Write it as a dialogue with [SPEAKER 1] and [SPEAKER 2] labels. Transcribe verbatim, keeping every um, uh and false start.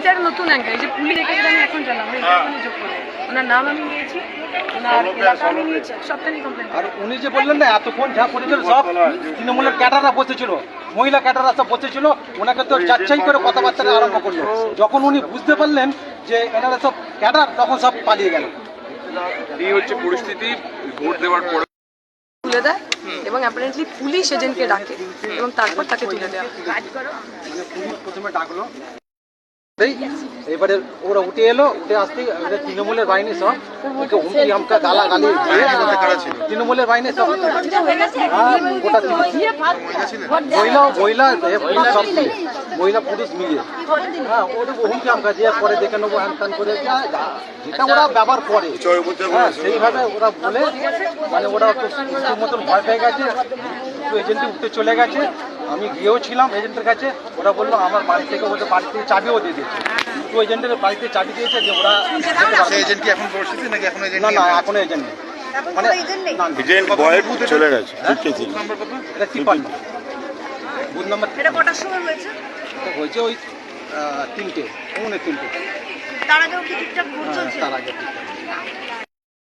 [SPEAKER 1] এটা একটা নতুন অ্যাঙ্গেল, এই যে পুলিশ রেখে আমি এখন জানলাম, আমি এটা এখনই যোগ করে ওনার নাম আমি নিয়েছি, ওনার এলাকা আমি নিয়েছি, সবটা নিয়ে কমপ্লেন।
[SPEAKER 2] আর উনি যে বললেন না এতক্ষণ যা করেছিল সব তৃণমূলের ক্যাডাররা বসেছিল, মহিলা ক্যাডাররা সব বসেছিল, ওনাকে তো যাচ্ছাই করে কথাবার্তা আরম্ভ করলো। যখন উনি বুঝতে পারলেন যে এনারা সব ক্যাডার, তখন সব পালিয়ে গেল।
[SPEAKER 3] এই হচ্ছে পরিস্থিতি। ভোট দেওয়ার পরে
[SPEAKER 1] তুলে দেয় এবং অ্যাপারেন্টলি পুলিশ এজেন্টকে ডাকে এবং তারপর তাকে তুলে দেওয়া।
[SPEAKER 2] মানে পুলিশ প্রথমে ডাকলো, এবারে ওরা উঠে এলো, উঠে আসতেই তৃণমূলের বাহিনী সব ওকে হুমকি হামকা গালা গালি তৃণমূলের বাহিনী সব গোটা মহিলা মহিলা সব মহিলা পুলিশ মিলিয়ে হ্যাঁ ওদের হুমকি হামকা দিয়ে পরে দেখে নেবো হ্যান ত্যান করে যেটা ওরা ব্যবহার করে হ্যাঁ সেইভাবে ওরা বলে মানে ওরা একটু মতন ভয় পেয়ে গেছে, একটু এজেন্টে উঠতে চলে গেছে। আমি গিয়েও ছিলাম এজেন্টের কাছে, ওরা বললো আমার বাড়ি থেকে ওদের বাড়ি থেকে চাবিও দিয়ে দিয়েছে, দুটো এজেন্টের বাড়িতে চাবি দিয়েছে যে ওরা
[SPEAKER 4] এজেন্ট কি এখন পরিস্থিতি নাকি এখন এজেন্ট
[SPEAKER 2] না না এখনো এজেন্ট নেই, মানে
[SPEAKER 4] এজেন্ট বয়ের বুথে চলে গেছে।
[SPEAKER 2] নাম্বার কত? এটা তিপ্পান্ন বুথ নাম্বার।
[SPEAKER 5] এটা কটার সময় হয়েছে?
[SPEAKER 2] হয়েছে ওই তিনটে পৌনে তিনটে।
[SPEAKER 5] তার আগেও কি ঠিকঠাক ভোট চলছে?
[SPEAKER 2] তার আগে ঠিকঠাক।